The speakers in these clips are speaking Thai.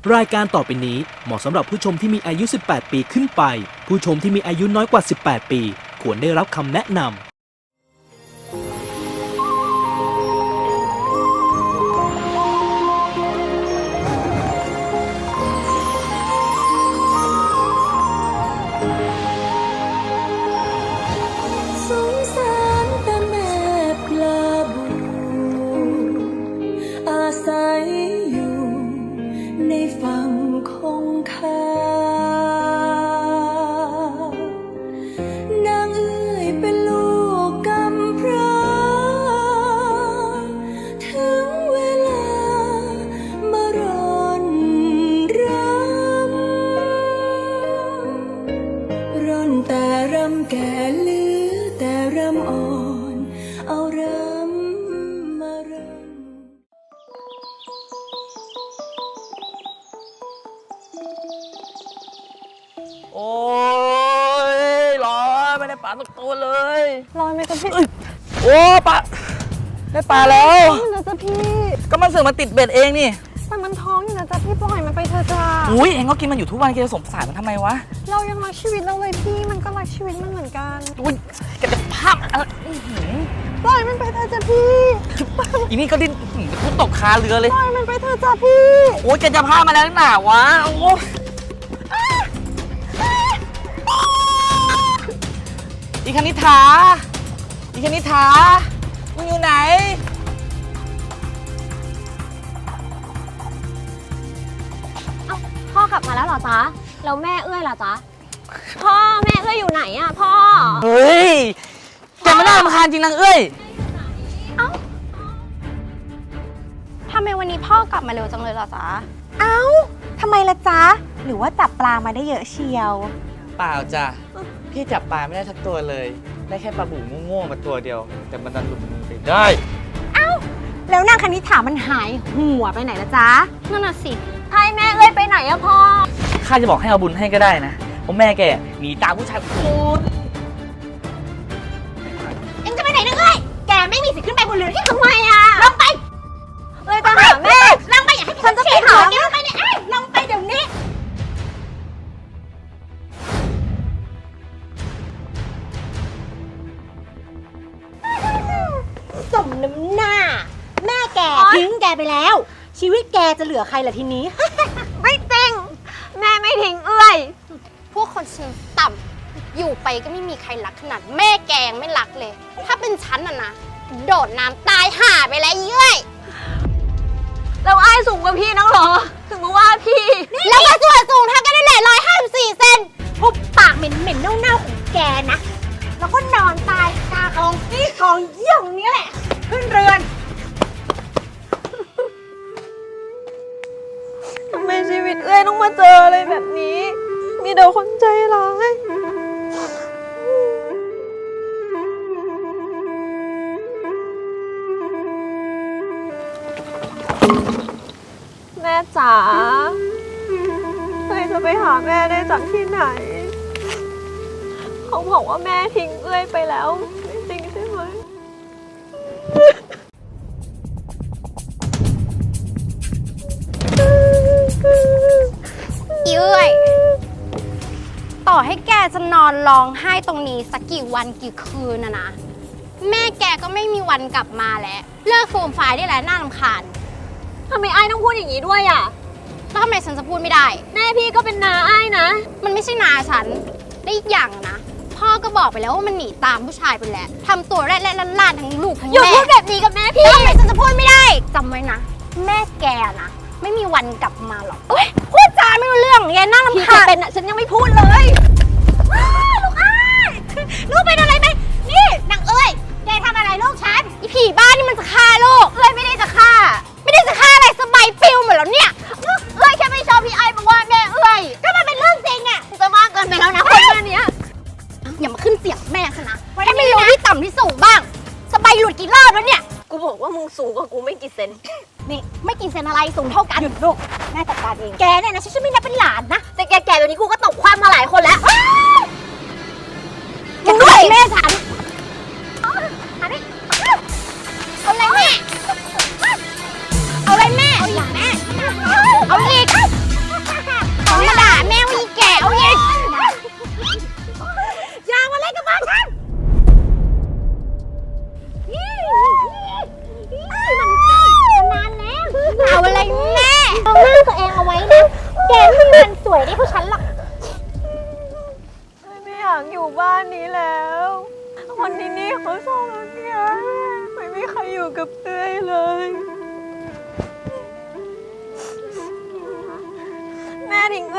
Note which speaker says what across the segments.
Speaker 1: รายการต่อไปนี้เหมาะสำหรับผู้ชมที่มีอายุ 18 ปีขึ้นไป ผู้ชมที่มีอายุน้อยกว่า 18 ปี ควรได้รับคำแนะนำ
Speaker 2: โอ้ยร้อนไม่ได้ปลาสักตัวเลย
Speaker 3: ร้อนไหมจ๊ะพี่
Speaker 2: โอ้ปลาได้ปลาแล้ว
Speaker 3: นะจ๊ะพี่
Speaker 2: ก็มันเสือกมาติดเบ็ดเองนี่
Speaker 3: แต่มันท้องอยู่นะจ๊ะพี่ปล่อยมันไปเถอะจ้า
Speaker 2: อุ้ยเองก็กินมันอยู่ทุกวันแกจะสงสารมันทำไมวะ
Speaker 3: เรายังรักชีวิตเราเลยพี่มันก็รักชีวิตมันเหมือนกัน
Speaker 2: อุ้ยแกจะภาพอะไร
Speaker 3: ปล่อยมันไปเถอะจ้ะพี่
Speaker 2: อีนี่ก็ดิ้นพูดตกคาเรือเลย
Speaker 3: ปล่อยมันไปเถอะจ้ะพี่
Speaker 2: โอ้ยแกจะพามาแล้วหนาวะโอ้อีคณิษฐามึงอยู่ไหน
Speaker 3: พ่อกลับมาแล้วเหรอจ๊ะแล้วแม่เอื้อยล่ะจ๊ะพ่อแม่เอื้อยอยู่ไหนอะพ่อ
Speaker 2: เฮ้ยแกไม่น่ารำคาญจริงนางเอ้ย
Speaker 3: ทำไมวันนี้พ่อกลับมาเร็วจังเลยเหรอจ๊ะ
Speaker 4: เอ้าทำไมล่ะจ๊ะ หรือว่าจับปลามาได้เยอะเชียว
Speaker 2: เปล่าจ้ะพี่จับปลาไม่ได้สักตัวเลย ได้แค่ปลาบู่โง่ๆมาตัวเดียว แต่มันดันหลุดมือไปได้
Speaker 4: แล้วนางคณิษฐามันหายหัวไปไหนละจ๊ะ
Speaker 3: นั่นน่ะสิไอ้แม่เอื้อยไปไหนอะพ่อ
Speaker 2: ข้าจะบอกให้เอาบุญให้ก็ได้นะเพราะแม่แกหนีตามผู้ชายคน
Speaker 4: เอ็งจะไปไหนนึกเลยแกไม่มีสิทธิ์ขึ้นไปบนเรือที่ทำไมอะลงไป
Speaker 3: เอ้ยตามหาแม่
Speaker 4: ลงไปอย่าให้ฉันจะไปหาแกลงไปเนี่ยลงไปเดี๋ยวนี้ สมน้ำหน้า แม่แกทิ้งแกไปแล้ว ชีวิตแกจะเหลือใครล่ะทีนี้
Speaker 3: ไม่จริงแม่ไม่ทิ้งเอื้อย
Speaker 5: พวกคนชั้นต่ำอยู่ไปก็ไม่มีใครรักขนาดแม่แกยังไม่รักเลย ถ้าเป็นฉันน่ะนะ โดดน้ำตายห่าไปแล้วเย้ย
Speaker 3: แล้วไอ้สูงกว่าพี่นักเหรอ ถึงมาว่าพี่
Speaker 5: แล้วก็ส่วนสูงเท่ากันนั่นแหละ154 เซน
Speaker 4: ทุบปากเหม็นๆเน่าๆของแกนะ แล้วก็นอนตายคากองนี่กองเยี่ยงนี้แหละ ขึ้นเรือน
Speaker 3: ทำไมชีวิตเอ้ยต้องมาเจออะไรแบบนี้ มีแต่คนใจร้าย แม่จ๋าเอ้ยจะไปหาแม่ได้จากที่ไหน เขาบอกว่าแม่ทิ้งเอ้ยไปแล้ว ไม่จริงใช่ไหม
Speaker 5: เย้ยต่อให้แกจะนอนร้องไห้ตรงนี้สักกี่วันกี่คืนนะแม่แกก็ไม่มีวันกลับมาแล้ว เลิกโฟมไฟล์ได้แล้วน่ารำคาญ
Speaker 3: ทำไมไอ้ต้องพูดอย่างนี้ด้วยอ่ะ
Speaker 5: แล้วทำไมฉันจะพูดไม่ได้
Speaker 3: แม่พี่ก็เป็นน้าไอ้นะ
Speaker 5: มันไม่ใช่นาฉันได้อีกอย่างนะ พ่อก็บอกไปแล้วว่ามันหนีตามผู้ชายไปแล้วทำตัวแรดและล้านทั้งลูกทั้ง
Speaker 3: อย่า
Speaker 5: แม่
Speaker 3: พูดแบบนี้กับแม่พี่
Speaker 5: แล้วทำไมฉันจะพูดไม่ได้จำไว้นะ แม่แกนะไม่มีวันกลับมาหรอกเอ้ยพูดจาไม่รู้เรื่องแกน่ารำ
Speaker 3: พี่
Speaker 5: คา
Speaker 3: จะ
Speaker 5: ญ
Speaker 3: เป็นอ่ะฉันยังไม่พูดเลย
Speaker 4: ลูกอ้ายลูกเป็นอะไรไหมนี่นางเอ้ย แกทำอะไรลูกฉัน
Speaker 5: อีผีบ้านนี่มันจะฆ่าลูก
Speaker 4: เอ้ยไม่ได้จะฆ่า
Speaker 5: ไม่ได้จะฆ่าอะไรสบายปิวหมดแล้วเนี่ย
Speaker 4: เอ้ยแค่ไม่ชอบพี่ไอ้บอกว่าแม่เอ้ยก็มันเป็นเรื่องจริงอะจะมากเกินไปแล้วนะคนแม่เนี้ย
Speaker 5: อย่ามาขึ้นเสียงแม่ฉันนะให้ไม่รู้ที่ต่ำที่สูงบ้าง สบายหลุดกี่รอบแล้วเนี่ย
Speaker 3: กูบอกว่ามึงสูงกว่ากูไม่กี่เซน
Speaker 4: นี่ไม่กินเซนอะไรสูงเท่ากันหยุดลูกแม่จัดการเองแกเนี่ยนะฉันไม่นับเป็นหลานนะ
Speaker 3: แต่แกแบบนี้กูก็ตกความมาหลายคนแล้ว
Speaker 4: มึงด้วยแม่ฉัน
Speaker 5: เอาเลยแม่ เอาเลยแม่
Speaker 4: เอาอย่างแม่
Speaker 5: เอาอีก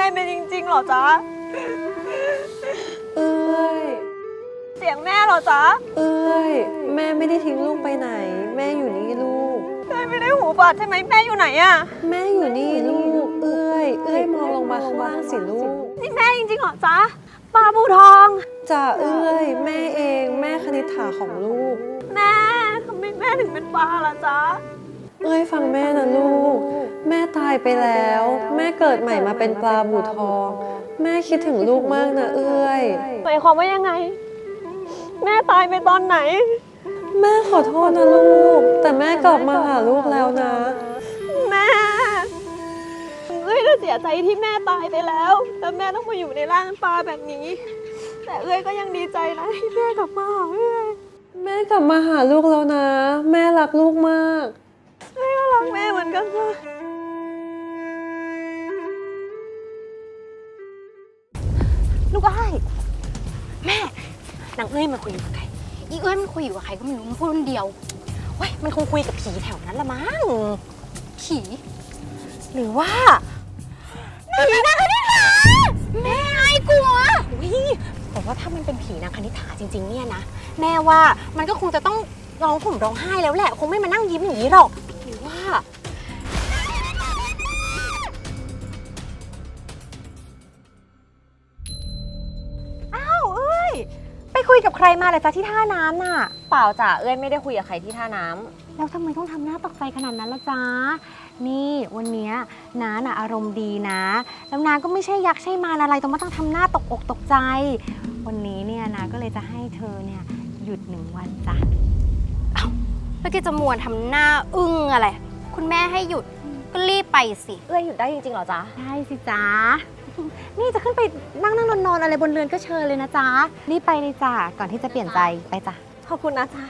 Speaker 3: ยเป็นจริงๆเหรอจ๊ะ
Speaker 6: เอ้ย
Speaker 3: เสียงแม่เหรอจ๊ะ
Speaker 6: เอ้ย แม่ไม่ได้ทิ้งลูกไปไหน แม่อยู่นี่ลูก
Speaker 3: เอ้ยไม่ได้หูบาดใช่ไหมแม่อยู่ไหนอะ
Speaker 6: แม่อยู่นี่ลูก เอ้ยมองลงมาข้างล่างสิลูก
Speaker 3: นี่แม่จริงๆเหรอจ๊ะปลาบูทอง
Speaker 6: จ่าเอ้ย แม่เองแม่คณิษฐาของลูก
Speaker 3: แม่ทำไมแม่ถึงเป็นปลาล่ะจ๊ะ
Speaker 6: เอ้ยฟังแม่นะลูก แม่ตายไปแล้ว แม่เกิดใหม่มาเป็นปลาบูทอง แม่คิดถึงลูกมากนะเอ้ย
Speaker 3: หมายความว่ายังไง แม่ตายไปตอนไหน
Speaker 6: แม่ขอโทษนะลูก แต่แม่กลับมาหาลูกแล้วนะ
Speaker 3: แม่เอ้ยก็เสียใจที่แม่ตายไปแล้ว แต่แม่ต้องมาอยู่ในร่างปลาแบบนี้ แต่เอ้ยก็ยังดีใจนะที่แม่กลับมาหาเอ้ย
Speaker 6: แม่กลับมาหาลูกแล้วนะ แม่รักลูกมาก
Speaker 3: เอ้ยก็รักแม่เหมือนกันจ้ะ
Speaker 4: ลูกอ้ายแม่นางเอ้ยมันคุยอยู่กับใคร
Speaker 5: อีเอ้ยมันคุยอยู่กับใครก็ไม่รู้มันพูดคนเดียว
Speaker 4: เว้ยมันคงคุยกับผีแถวนั้นละมั้ง
Speaker 5: ผี
Speaker 4: หรือว่า
Speaker 5: ผีนางคณิษฐาแม่ไอ้กลัว
Speaker 4: วิแต่ว่าถ้ามันเป็นผีนางคณิษฐาจริงๆเนี่ยนะแม่ว่ามันก็คงจะต้องร้องห่มร้องไห้แล้วแหละคงไม่มานั่งยิ้มอย่างนี้หรอกหรือว่าอ้าวเอ้ยไปคุยกับใครมาเหรอจ๊ะที่ท่าน้ำน่ะ
Speaker 3: เปล่าจ้ะเอ้ยไม่ได้คุยกับใครที่ท่าน้ำ
Speaker 4: แล้วทำไมต้องทำหน้าตกใจขนาดนั้นล่ะจ๊ะนี่วันเนี้ยน้าน่ะอารมณ์ดีนะแล้วน้าก็ไม่ใช่ยักษ์ใช่มารอะไรต้องมาต้องทำหน้าตกอกตกใจ วันนี้เนี่ยน้าก็เลยจะให้เธอเนี่ยหยุด1 วันจ้ะ
Speaker 5: แล้วแกจะมัวทำหน้าอึ้งอะไร คุณแม่ให้หยุดก็รีบไปสิ
Speaker 3: เอ้ยหยุดได้จริงๆเหรอจ๊ะ
Speaker 4: ได้สิจ๊ะ นี่จะขึ้นไปนั่งนอนอะไรบนเรือนก็เชิญเลยนะจ๊ะรีบไปเลยจ้ะก่อนที่จะเปลี่ยนใจไปจ้ะ
Speaker 3: ขอบคุณนะจ๊ะ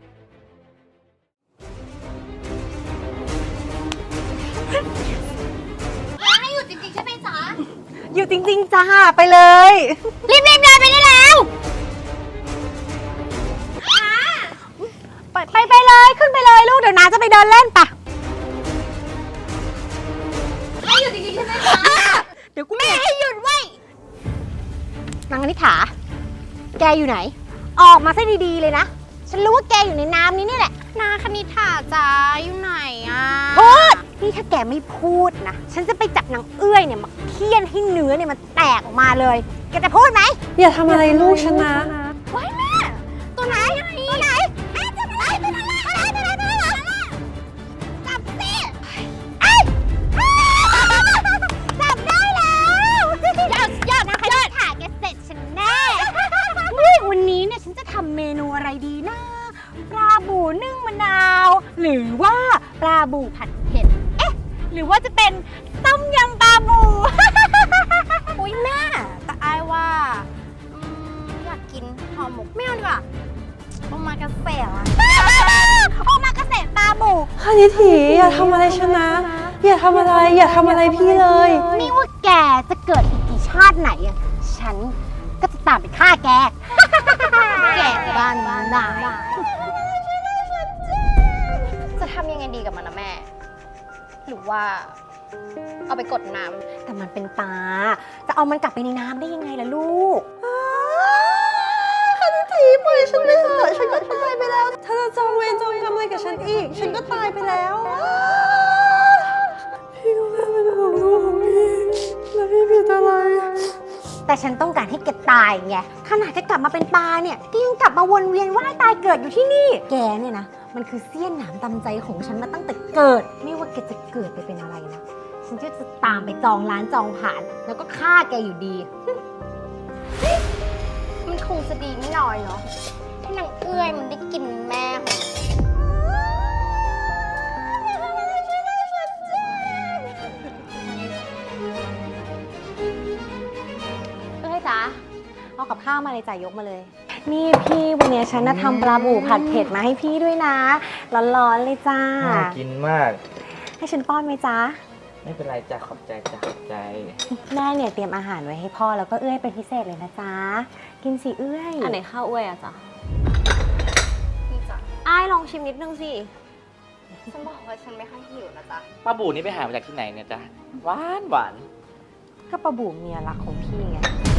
Speaker 5: ให้หยุดจริงๆใช่ไหมจ๊ะ
Speaker 4: อยู่จริงๆจ้าไปเลย
Speaker 5: รีบเดินไปได้แล้ว
Speaker 4: ไปเลยขึ้นไปเลยลูกเดี๋ยวน้าจะไปเดินเล่นปะ
Speaker 5: ให้หยุดจริงๆใช่ไหมจ๊ะ
Speaker 4: เดี๋ยวกู
Speaker 5: แม่ให้หยุดไว้
Speaker 4: นางคณิษฐาแกอยู่ไหน ออกมาซะดีๆเลยนะ ฉันรู้ว่าแกอยู่ในน้ำนี้นี่แหละ
Speaker 5: นาคณิษฐาจ๊ะอยู่ไหนอ่ะ
Speaker 4: พูดนี่ถ้าแกไม่พูดนะ ฉันจะไปจับนางเอื้อยเนี่ยมาเคี่ยนให้เนื้อเนี่ยมันแตกออกมาเลย แกจะพูดไหม
Speaker 6: อย่าทำอะไรลูกฉันนะ
Speaker 5: ไว้แม่ตัวไหนตัวไหนแม่จับอะไรตัวนั้นจับสิ
Speaker 4: จับได้แล้ว
Speaker 5: ยอดนะ
Speaker 4: คณิษฐาแกเสร็จฉันแน่นี่วันนี้เนี่ยฉันจะทำเมนูอะไรดีนะ ปลาบูนึ่งมะนาว หรือว่าปลาบูผัดเผ็ด เอ๊ะ หรือว่าจะเป็นต้มยำปลาบู
Speaker 5: อุ้ยแม่แต่อายว่าอยากกินห่อหมกไม่เอาดีกว่าโอมากาเสะอะ
Speaker 4: โอมากาเสะปลาบู
Speaker 6: คณิถีอย่าทำอะไรฉันนะ อย่าทำอะไรพี่เลย
Speaker 4: ไม่ว่าแกจะเกิดอีกกี่ชาติไหนอะฉันก็จะตามไปฆ่าแก
Speaker 5: แก่บ้านนายจะทำยังไงดีกับมันนะแม่ หรือว่า เอาไปกดน้ำ
Speaker 4: แต่มันเป็นปลา จะเอามันกลับไปในน้ำได้ยังไงล่ะลูก
Speaker 6: คณิถีปล่อยฉันไปเถอะฉันก็ตายไปแล้ว ถ้าจะจองเวรจองกรรมอะไรกับฉันอีก ฉันก็ตายไปแล้วพี่ก็แค่เป็นห่วงลูกของพี่แล้วพี่ผิดอะไร
Speaker 4: แต่ฉันต้องการให้แกตายไง ขนาดแกกลับมาเป็นปลาเนี่ยแกยังกลับมาวนเวียนว่ายตายเกิดอยู่ที่นี่ แกเนี่ยนะ มันคือเสี้ยนหนามตำใจของฉันมาตั้งแต่เกิด ไม่ว่าแกจะเกิดไปเป็นอะไรนะ ฉันก็จะตามไปจองร้านจองผ่าน แล้วก็ฆ่าแกอยู่ดี
Speaker 5: มันคงจะดีไม่น้อยเนาะถ้านางเอื้อยมันได้กินแม่ของมัน
Speaker 4: เอ้ยจ๊ะเอากับข้าวมาเลยจ่ายยกมาเลย นี่พี่วันนี้ฉันน่ะทำปลาบูผัดเผ็ดมาให้พี่ด้วยนะ ร้อนๆเลยจ้า
Speaker 2: น่ากินมาก
Speaker 4: ให้ฉันป้อนไหมจ๊ะ
Speaker 2: ไม่เป็นไรจ้ะขอบใจจ้ะขอบใจ
Speaker 4: แม่เนี่ยเตรียมอาหารไว้ให้พ่อแล้วก็เอื้อยเป็นพิเศษเลยนะจ๊ะ กินสิเอื้อย
Speaker 3: อันไหนข้าวอ้วยอะจ๊ะ
Speaker 5: นี่จ้ะ
Speaker 3: อ้ายลองชิมนิดนึงสิ
Speaker 5: ฉันบอกว่าฉันไม่ค่อยหิวนะจ๊ะ
Speaker 2: ป้าบูนี่ไปหามาจากที่ไหนเนี่ยจ๊ะหวาน
Speaker 4: ก็ปลาบู่เมียรักของพี่ไง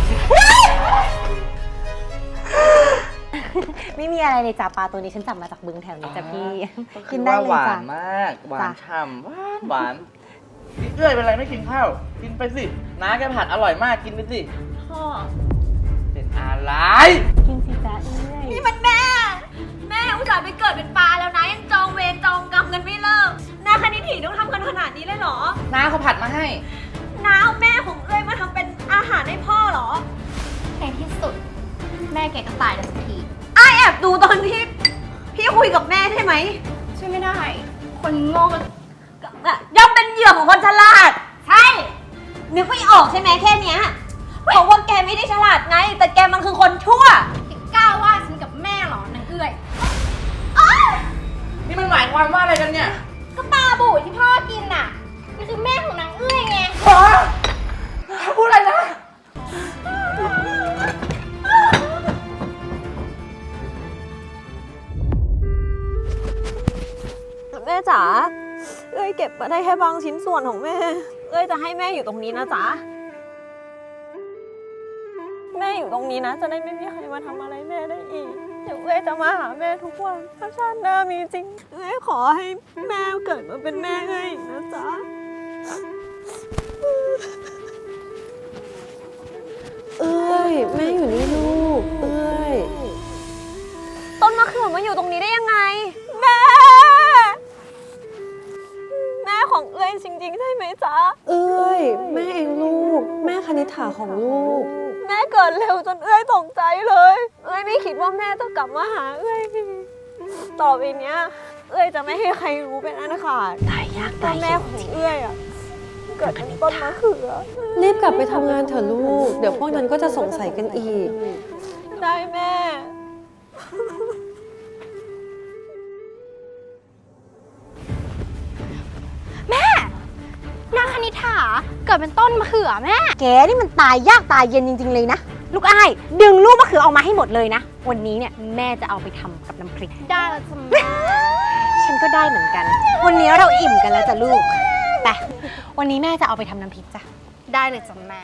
Speaker 4: ไม่มีอะไรเลยจ้ะปลาตัวนี้ฉันจับมาจากบึงแถวนี้จ้ะพี่ กินได้เลย
Speaker 2: หวา
Speaker 4: จ้ะ
Speaker 2: นมาก หวาน
Speaker 4: จ้ะ
Speaker 2: ฉ่ำหวานนี่เอ้ยเป็นไรไม่กินข้าว กินไปสิ น้าแกผัดอร่อยมากกินไปสิ
Speaker 3: พ่อ
Speaker 2: เป็นอะไร
Speaker 4: กินสิจ้ะเอ้ย
Speaker 3: นี่มันแม่ แม่อุตส่าห์ไปเกิดเป็นปลาแล้วนะยังจองเวรจองกรรมกันไม่เลิกนาคณิถีต้องทำกันขนาดนี้เลยเหรอ
Speaker 2: น้าเขาผัดมาให้
Speaker 3: น้าเอาแม่ของเอ้ยมาทำเป็นอาหารให้พ่อเหรอ
Speaker 5: ในที่สุด แม่แกก็ตายแล้วสักที
Speaker 3: อ้ายแอบดูตอนที่พี่คุยกับแม่ใช่ไหม
Speaker 5: ช่วยไม่ได้ คนโง่ก็
Speaker 3: ย่อมเป็นเหยื่อของคนฉลาด ใช่ นึกไม่ออกใช่ไหมแค่เนี้ยเพราะว่าแกไม่ได้ฉลาดไง แต่แกมันคือคนชั่ว
Speaker 5: กล้าว่าฉันกับแม่เหรอนางเอื้อย
Speaker 2: นี่มันหมายความว่าอะไรกันเนี่ย
Speaker 5: ก็ปลาบู่ที่พ่อกินน่ะนี่คือแม่ของนางเอื้อยไง
Speaker 2: พูดอะไรนะ
Speaker 3: แม่จ๋า เอ้ยเก็บมาได้แค่บางชิ้นส่วนของแม่ เอ้ยจะให้แม่อยู่ตรงนี้นะจ๊ะ แม่อยู่ตรงนี้นะ จะได้ไม่มีใครมาทำอะไรแม่ได้อีก เดี๋ยวเอ้ยจะมาหาแม่ทุกวันถ้าชาติหน้ามีจริง เอ้ยขอให้แม่เกิดมาเป็นแม่เอ้ยอีกนะจ๊ะ
Speaker 6: เอ้ย แม่อยู่นี่ลูก เอ้ย
Speaker 3: ต้นมะเขือมาอยู่ตรงนี้ได้ยังไง แม่ แม่ของเอ้ยจริงๆใช่ไหมจ๊ะ
Speaker 6: เอ้ย แม่เองลูก แม่คณิษฐาของลูก
Speaker 3: แม่เกิดเร็วจนเอ้ยตกใจเลย เอ้ยไม่คิดว่าแม่จะกลับมาหาเอ้ยต่อไปเนี้ย เอ้ยจะไม่ให้ใครรู้เป็นอันขาด
Speaker 4: ตายยาก
Speaker 3: ว่า
Speaker 4: ตาย
Speaker 3: แม่
Speaker 4: เย็น
Speaker 3: ของ
Speaker 4: จริง
Speaker 3: เอ้ยอ่ะเกิดเป็นต้นมะเขือ
Speaker 6: รีบกลับไปทำงานเถอะลูก เดี๋ยวพวกนั้นก็จะสงสัยกันอีก
Speaker 3: ได้แม่
Speaker 5: นางคณิษฐาเกิดเป็นต้นมะเขือแม่
Speaker 4: แกนี่มันตายยากตายเย็นจริงๆเลยนะ ลูกอ้ายดึงลูกมะเขือออกมาให้หมดเลยนะ วันนี้เนี่ยแม่จะเอาไปทำกับน้ำพริก
Speaker 5: ได้แล้วจ้ะแม่
Speaker 4: ฉันก็ได้เหมือนกัน วันนี้เราอิ่มกันแล้วจ้ะลูกไปวันนี้แม่จะเอาไปทำน้ำพริกจ้ะ
Speaker 5: ได้เลยจ้ะแม่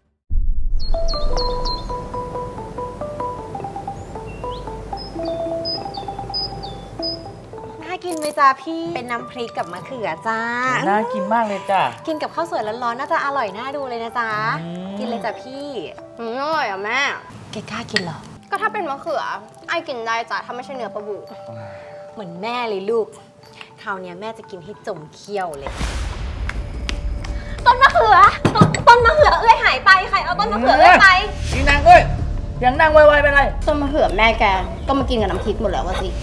Speaker 4: น่ากินไหมจ้ะพี่ เป็นน้ำพริกกับมะเขือจ้า
Speaker 2: น่ากินมากเลยจ้ะ
Speaker 4: กินกับข้าวสวยร้อนๆน่าจะอร่อยน่าดูเลยนะจ๊ะ
Speaker 2: อืม
Speaker 4: กินเลยจ้ะพี่
Speaker 5: อร่อยอ่ะแม่
Speaker 4: แกกล้ากินเหรอ
Speaker 5: ก็ถ้าเป็นมะเขือไอ้กินได้จ้ะถ้าไม่ใช่เนื้อปลาบู
Speaker 4: เหมือนแม่เลยลูก คราวเนี้ยแม่จะกินให้จมเขี้ยวเลย
Speaker 3: ต้นมะเขือ ต้นมะเขือเอ้ยหายไปใครเอาต้นมะเขือเอ้ยไป
Speaker 2: นี่นางเอ้ยเสียงนางไวๆเป็นไร
Speaker 5: ต้นมะเขือแม่แกก็มากินกับน้ำพริกหมดแล้ววะสิ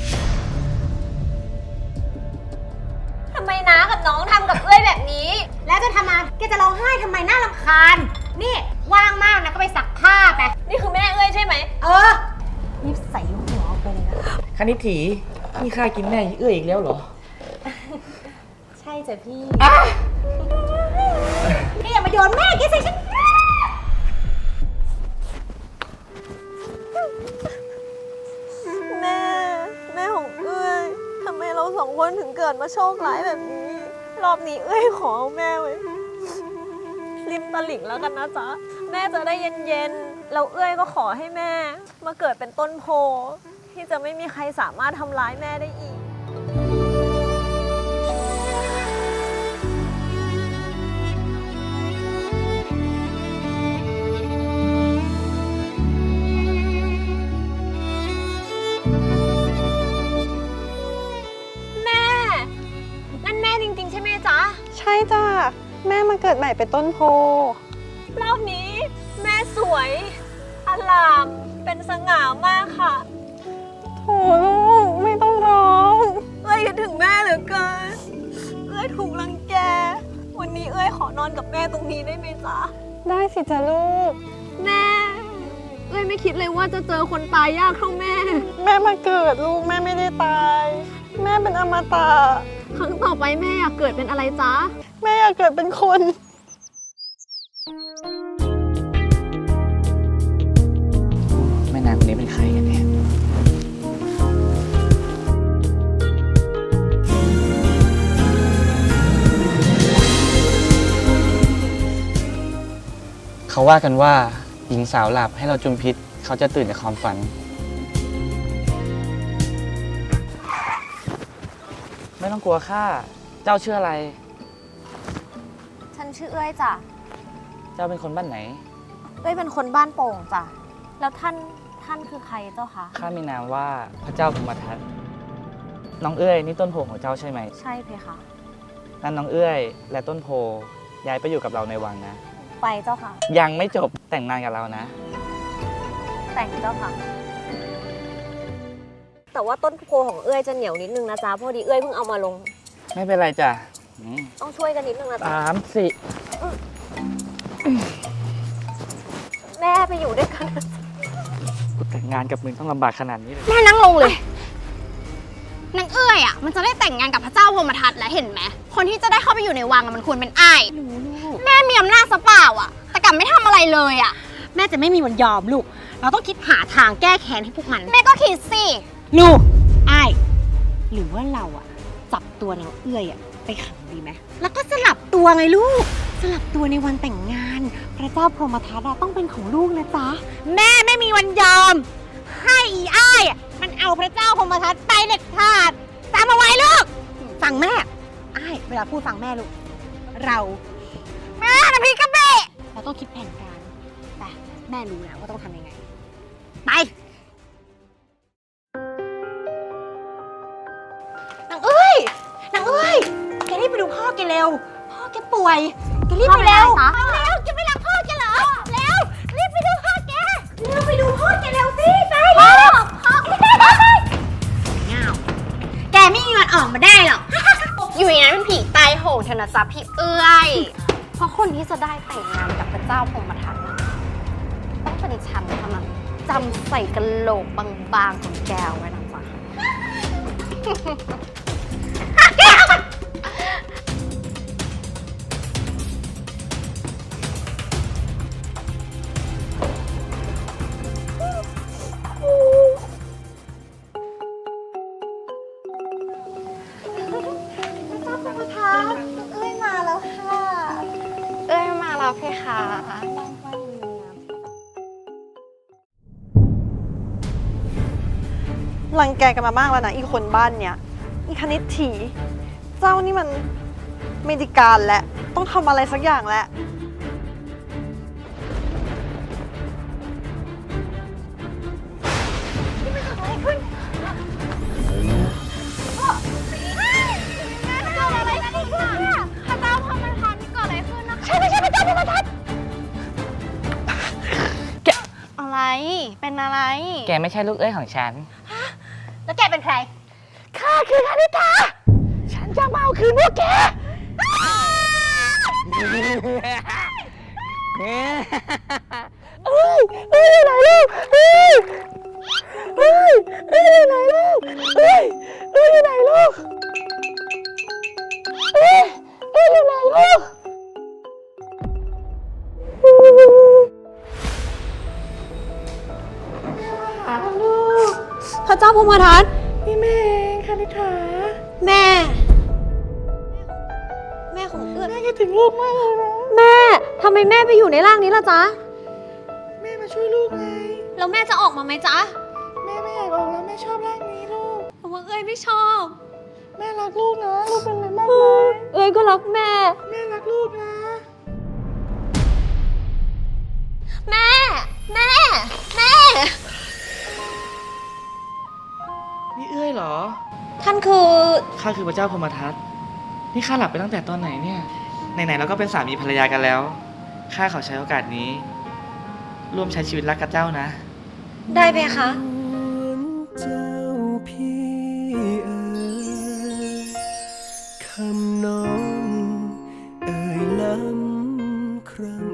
Speaker 3: ทำไมน้ากับน้องทำกับเอ้ยแบบนี้
Speaker 4: แล้วจะทำไมแกจะร้องไห้ทำไมน่ารำคาญ นี่ว่างมากนะก็ไปซักผ้าไป
Speaker 3: นี่คือแม่เอ้ยใช่ไหม
Speaker 4: เออรีบใส่หัวออกไปเลยนะ
Speaker 2: คณิตถีนี่ข้ากินแม่เอ้ยอีกแล้วเหรอ
Speaker 4: ใช่จ้ะพี่นี่อย่ามาโยนแม่แกใส่ฉัน
Speaker 3: แม่ แม่ของเอ้ยทำไมเราสองคนถึงเกิดมาโชคร้ายแบบนี้ รอบนี้เอ้ยขอเอาแม่ไว้ริมตลิ่งแล้วกันนะจ๊ะ แม่จะได้เย็นๆแล้วเอ้ยก็ขอให้แม่ มาเกิดเป็นต้นโพที่จะไม่มีใครสามารถทำร้ายแม่ได้อีก แม่ นั่นแม่จริงๆใช่ไหมจ๊ะ
Speaker 6: ใช่จ้ะ แม่มาเกิดใหม่เป็นต้นโพ
Speaker 3: รอบนี้แม่สวยอลาม เป็นสง่ามากค่ะ
Speaker 6: โถลูก ไม่ต้องร้อง
Speaker 3: เอ้ยคิดถึงแม่เหลือเกิน เอ้ยถูกรังแก วันนี้เอ้ยขอนอนกับแม่ตรงนี้ได้ไหมจ๊ะ
Speaker 6: ได้สิจ้ะลูก
Speaker 3: แม่ เอ้ยไม่คิดเลยว่าจะเจอคนตายยากเท่าแม่
Speaker 6: แม่มาเกิดลูกแม่ไม่ได้ตาย แม่เป็นอมตะ
Speaker 3: ครั้งต่อไปแม่อยากเกิดเป็นอะไรจ๊ะ
Speaker 6: แม่อยากเกิดเป็นคน
Speaker 2: แม่นางคนนี้เป็นใครกันเนี่ยเขาว่ากันว่าหญิงสาวหลับให้เราจุมพิษเขาจะตื่นจากความฝัน ไม่ต้องกลัวข้าเจ้าชื่ออะไร
Speaker 3: ฉันชื่อเอ้ยจ้ะ
Speaker 2: เจ้าเป็นคนบ้านไหน
Speaker 3: เอ้ยเป็นคนบ้านโป่งจ้ะ แล้วท่านคือใครเจ้าคะ
Speaker 2: ข้ามีนามว่าพระเจ้าพมทัตน้องเอ้ยนี่ต้นโพของเจ้าใช่ไหม
Speaker 3: ใช่เพคะ
Speaker 2: นั่นน้องเอ้ยและต้นโพย้ายไปอยู่กับเราในวังนะ
Speaker 3: ไปเจ้าค่ะ
Speaker 2: ยังไม่จบแต่งงานกับเรานะ
Speaker 3: แต่งเจ้าค่ะ แต่ว่าต้นโพของเอ้ยจะเหนียวนิดนึงนะจ๊ะพอดีเอ้ยเพิ่งเอามาลง
Speaker 2: ไม่เป็นไรจ้ะ
Speaker 3: ต้องช่วยกันนิดนึงนะจ๊ะ
Speaker 2: 3 4
Speaker 3: แม่ไปอยู่ด้วยกัน
Speaker 2: กูแต่งงานกับมึงต้องลำบากขนาดนี้เลย
Speaker 5: แม่นั่งลงเลยนางเอ้ยอ่ะมันจะได้แต่งงานกับพระเจ้าพรหมทัตแล้วเห็นไหมคนที่จะได้เข้าไปอยู่ในวังอะมันควรเป็นอ้ายแม่มีอำนาจซะเปล่าอ่ะ แต่กลับไม่ทำอะไรเลยอ่ะ
Speaker 4: แม่จะไม่มีวันยอมลูก เราต้องคิดหาทางแก้แค้นให้พวกมัน
Speaker 5: แม่ก็คิดสิ
Speaker 4: ลูกอ้ายหรือว่าเราอะจับตัวนางเอื้อยอะไปขังดีไหมแล้วก็สลับตัวไงลูก สลับตัวในวันแต่งงาน พระเจ้าพรหมทัตอะต้องเป็นของลูกนะจ๊ะ แม่ไม่มีวันยอม ให้อีอ้ายอะมันเอาพระเจ้าพรหมทัตไปเด็ดขาดจำเอาไว้ลูก ฟังแม่อ้ายเวลาพูดฟังแม่ลูก เราแม่นะพี่กระเบะเราต้องคิดแผนการแต่แม่รู้แล้วว่าต้องทำยังไง ไป นางเอ้ย แกรีบไปดูพ่อแกเร็ว พ่อแกป่วย แกรีบไปเร็ว เร็วแกไม่รักพ่อแกเหรอ เร็ว รีบไปดูพ่อแก เร็วไปดูพ่อแกเร็วสิ ไปเร็วเงาแกไม่มีวันออกมาได้หรอก
Speaker 5: อยู่อย่างนั้นเป็นผีตายโหงเถอะนะจ๊ะพี่เอ้ยเพราะคนที่จะได้แต่งงานกับพระเจ้าพรหมทัตนะต้องเป็นฉันเท่านั้นจำใส่กะโหลกบางๆของแกวไว้นะจ๊ะ
Speaker 3: เอ้ยมาแล้วค่ะ
Speaker 5: เอ้ยมาแล้วเพคะ
Speaker 6: รังแกกันมามากแล้วนะอีคนบ้านเนี่ยอีคณิตถีเจ้านี่มันไม่ไดีการและต้องทำอะไรสักอย่างแหละ
Speaker 5: พระเจ้าพรหมทัตนี่เกิดอะไรขึ้นนะคะใช่ไม่ใช่พระเจ้าพรหมทัตอะไร เป็นอะไร
Speaker 2: แกไม่ใช่ลูกเอ้ยของฉัน
Speaker 4: แล้วแกเป็นใคร
Speaker 2: ข้าคือคณิตาฉันจะมาเอาคืนพวกแก เอ้ยอยู่ไหนลูกเอ้ยอยู่ไหนลูกอยู่ไหนลูกอยู่ไหนลูก
Speaker 4: พระเจ้าพรหมทัต
Speaker 6: นี่แม่เองคณิฐา
Speaker 4: แม่ แม่ของเอื้อย
Speaker 6: แม่คิดถึงลูกมากเลยนะ
Speaker 4: แม่ ทำไมแม่ไปอยู่ในร่างนี้ล่ะจ๊ะ
Speaker 6: แม่มาช่วยลูกไง
Speaker 4: แล้วแม่จะออกมาไหมจ๊ะ
Speaker 6: แม่ไม่อยากออกแล้วแม่ชอบร่างนี้ลูก
Speaker 4: แต่ว่าเอ้ยไม่ชอบ
Speaker 6: แม่รักลูกนะลูกเป็นอะไรมากเลย
Speaker 4: เอ้ยก็รักแม่
Speaker 6: แม่รักลูกนะ
Speaker 4: แม่ แม่ แม่
Speaker 2: นี่เอ้ยเหรอ
Speaker 4: ท่านคือ
Speaker 2: ข้าคือพระเจ้าพรหมทัตนี่ข้าหลับไปตั้งแต่ตอนไหนเนี่ย ไหนๆเราก็เป็นสามีภรรยากันแล้ว ข้าขอใช้โอกาสนี้ ร่วมใช้ชีวิตรักกับเจ้านะ
Speaker 4: ได้ไหมคะ
Speaker 7: เจ้าพี่คำน้องเอ่ยล้ำครั้ง